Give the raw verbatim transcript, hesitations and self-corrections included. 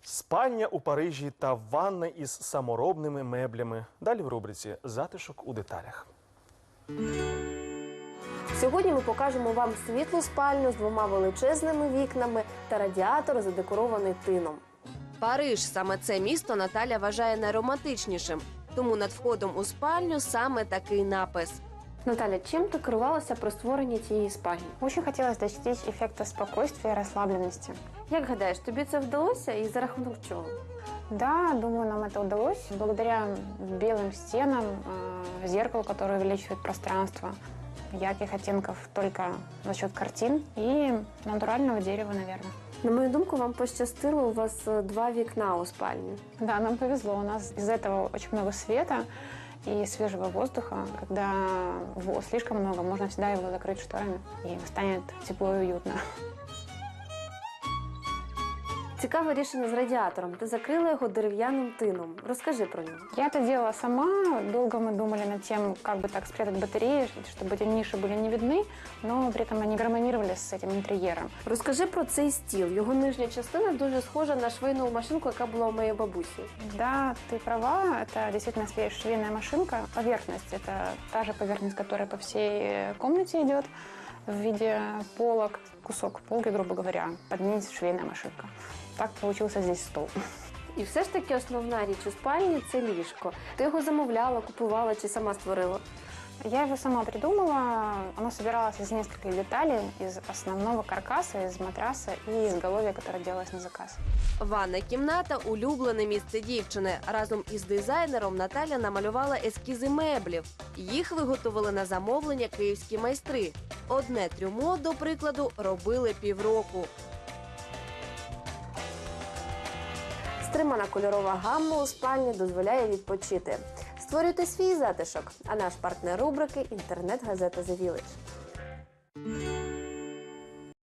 Спальня у Парижі та ванна із саморобними меблями. Далі в рубриці «Затишок у деталях». Сьогодні ми покажемо вам світлу спальню з двома величезними вікнами та радіатор, задекорований тином. Париж – саме це місто Наталя вважає найромантичнішим. Тому над входом у спальню саме такий напис. Наталя, чим ти керувалася при створенні цієї спальні? Очень хотелось достичь эффекта спокойствия и расслабленности. Як гадаєш, тобі це вдалося і за рахунок чого? Да, думаю, нам это удалось благодаря белым стенам, э, зеркалу, которое увеличивает пространство, ярких оттенков только за счет картин и натурального дерева, наверное. На мою думку, вам пощастило, у вас два вікна у спальні. Да, нам повезло, у нас из этого очень много света и свежего воздуха. Когда его слишком много, можно всегда его закрыть шторами, и станет тепло и уютно. Цікаве рішення з радіатором. Ти закрила його дерев'яним тином. Розкажи про нього. Я это делала сама. Долго мы думали над тем, как бы так спрятать батареи, чтобы эти ниши были не видны, но при этом они гармонировали с этим интерьером. Розкажи про цей стіл. Його нижня частина дуже схожа на швейну машинку, яка була у моєї бабусі. Да, ты права, это действительно швейная машинка. Поверхность – это та же поверхность, которая по всей комнате идет в виде полок. Кусок полки, грубо говоря, под ней швейная машинка. Так получился здесь стол. І все ж таки основна річ у спальні – це ліжко. Ти його замовляла, купувала чи сама створила? Я его сама придумала. Оно собиралось из нескольких деталей, из основного каркаса, из матраса и изголовья, которое делалось на заказ. Ванна кімната – улюблене місце дівчини. Разом із дизайнером Наталя намалювала ескізи меблів. Їх виготовили на замовлення київські майстри. Одне трюмо, до прикладу, робили півроку. Стримана кольорова гамма у спальні дозволяє відпочити. Створюйте свій затишок, а наш партнер рубрики – інтернет-газета «The Village».